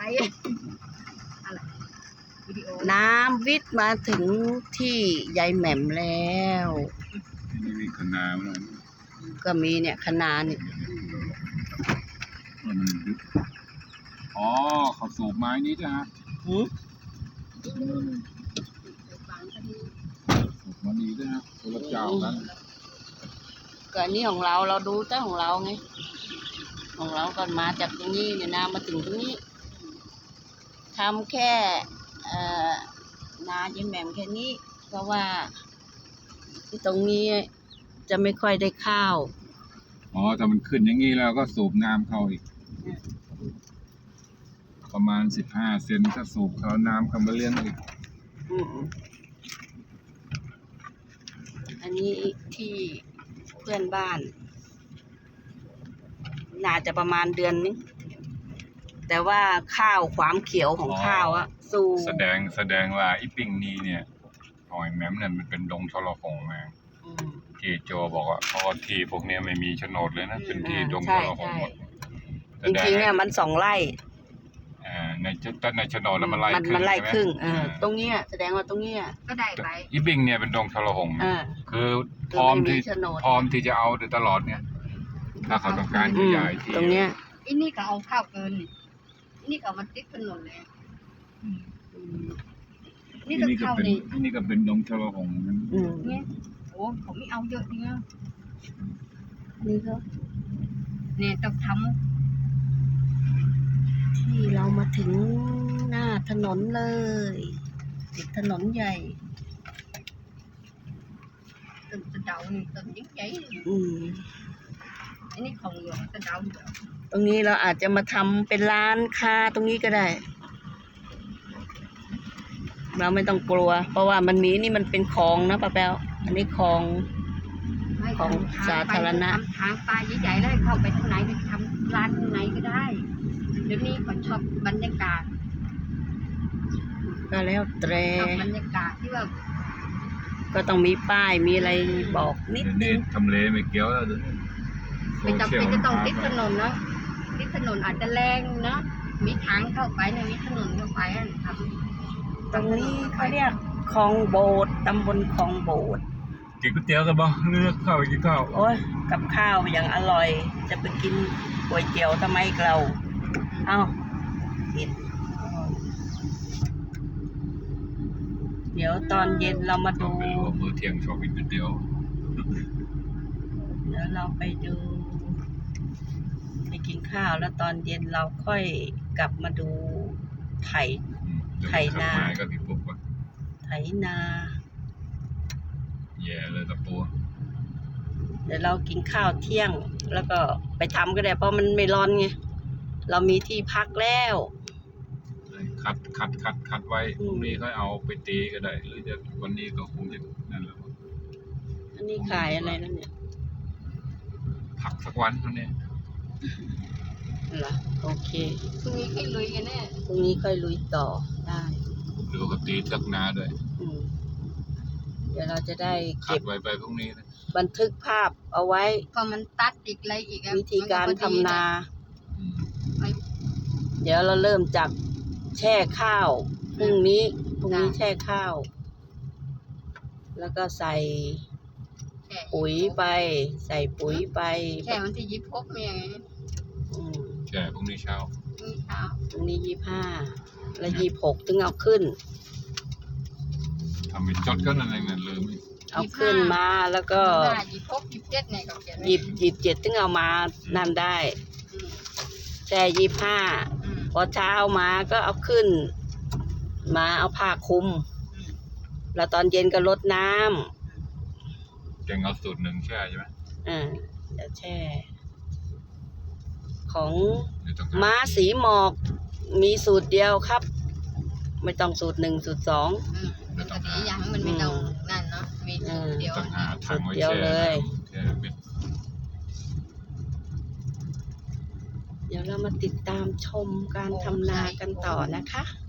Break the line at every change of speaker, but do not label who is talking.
อะไรวิดีโอ
น้ำวิทย์มาถึงที่ยายแหม่มแล้ว
นี่มีคะน้าไหม
ก็มีเนี่ยคะน้านี่
อ๋อเขาสูบไม้นี้จ้ะฮะสูบมาดีด้วยนะคนละเจ้ากัน
ก็อันนี้ของเราดูแต่ของเราไงของเราก่อนมาจากตรงนี้เนี่ยน้ำมาถึงตรงนี้ทำแค่นายายแหม่มแค่นี้เพราะว่าที่ตรงนี้จะไม่ค่อยได้ข้าว
อ๋อถ้ามันขึ้นอย่างนี้แล้วก็สูบน้ำเข้าอีกประมาณ15 เซนถ้าสูบเขาน้ำเข้ามาเลี้ยงอีก
อันนี้ที่เพื่อนบ้านน่าจะประมาณเดือนนึงแต่ว่าข้าวความเขียวของข้าวอะสู้
แสดงว่าอีปิงนี้เนี่ยหอยแม้มเนี่ยมันเป็นดงชลหงมาที่โจบอกว่าเพราะว่าที่พวกนี้ไม่มีโฉนดเลยนะเป็นที่ดงชลหงหมด
จริงๆเนี่ยมัน2 ไร่
ในโฉนดแล้วมันไร่
ครึ่งตรงนี้แสดงว่าตรงนี้
ก็ได้ไป
อีปิงเนี่ยเป็นดงชลหงคือพร้อมที่จะเอาตลอดเนี่ยถ้าเขาต้องการขยายที่
ตรงเนี้ย
อันนี้ก็เอาข้าวเกินนี่ก็มันติดถนนเลยนี่ก็เข้านี่
นี่ก็เป็นดงชลหง
เนี่ยโอ้เขาไม่เอาเยอะเนี่ย
นี่ก็
เนี่ยต้องทำ
ที่เรามาถึงหน้าถนนเลยติดถนนใหญ่
ต้นตะเดานี่ต้นยิ่งใหญ่อันนี้ของหลวงตะเดา
ตรงนี้เราอาจจะมาทำเป็นร้านค้าตรงนี้ก็ได้เราไม่ต้องกลัวเพราะว่ามันมีนี่มันเป็นคลองนะป้าแป๊วอันนี้คลองสาธารณะ
ทางปลาใหญ่ๆแล้วเข้าไปทางไหนไปทำร้านทางไหนก็ได้เดี๋ยวนี้คนชอบบรรยากาศ
ก็แล้วแต่
บรรยากาศที่ว่า
ก็ต้องมีป้ายมีอะไรบอกนิดนึง
ทำเลไม่เกี่ยวแล้ว
ไม่จำเป็นจะต้องติดถนนนะติดถนนอาจจะแรงนะมีทางเข้าไปเนี่ยมีถนนเข้าไปครับ
ตรงนี้เขาเรียกคลองโบดตำบลคลองโบด
กินก๋วยเตี๋ยวกันบ้างเลือกข้าวกินข้าว
โอ้ยกับข้าวอย่างอร่อยจะไปกินก๋วยเตี๋ยวทำไมเราเอ้าผิดเดี๋ยวตอนเย็นเรามาดู
มื้อเที่ยงชอบกินก๋วยเตี๋ยว
เดี๋ยวเราไปดูไปกินข้าวแล้วตอนเย็นเราค่อยกลับมาดูไถนาไถนา
แย่เลยตะปู
เดี๋ยวเรากินข้าวเที่ยงแล้วก็ไปทำก็ได้เพราะมันไม่ร้อนไงเรามีที่พักแล้ว
คัดไว้พรุ่งนี้ค่อยเอาไปตีก็ได้หรือจะวันนี้ก็คงจะนั่นแหละ
อันนี้ขายอะไรแล้วเนี่ย
ผักสักวันเท่านี้
เหรอโอเค
พรุ่งนี้ค่อยลุยกันแน่
พรุ่งนี้ค่อยลุยต่อได้
ดูกับตีทักนาด้วย
เดี๋ยวเราจะได้
เก็บไว้ไปพรุ่งนี้นะ
บันทึกภาพเอาไว้
พอมันตัดอีกอะไรอีก
วิธีการทำนาเดี๋ยวเราเริ่มจากแช่ข้าวพรุ่งนี้แช่ข้าวแล้วก็ใส่ปุ๋ยไปแช่
วันที่26เนี่ย
แช่พรุ่งนี้เช้า
พรุ่งนี้25แล้ว26ถึงเอาขึ้น
ทำเป็นจดก็นั่นเองลืม
เอาขึ้นมาแล้วก็
26 27เนี่ยก็เขียน
27ถึงเอามานั่นได้แช่25พอเช้ามาก็เอาขึ้นมาเอาผ้าคลุมแล้วตอนเย็นก็รดน้
ำแกงเอาสูตร1แช่ใช่ไหม
เดี๋ยวแช่ของม้าสีหมอกมีสูตรเดียวครับไม่ต้องสูตร1สูตร2
ปกติอย่างมันไม่ต้องนั่นเนาะมีสูตรเดียว
สูตรเดียวเลยเดี๋ยวเรามาติดตามชมการทำนากันต่อนะคะ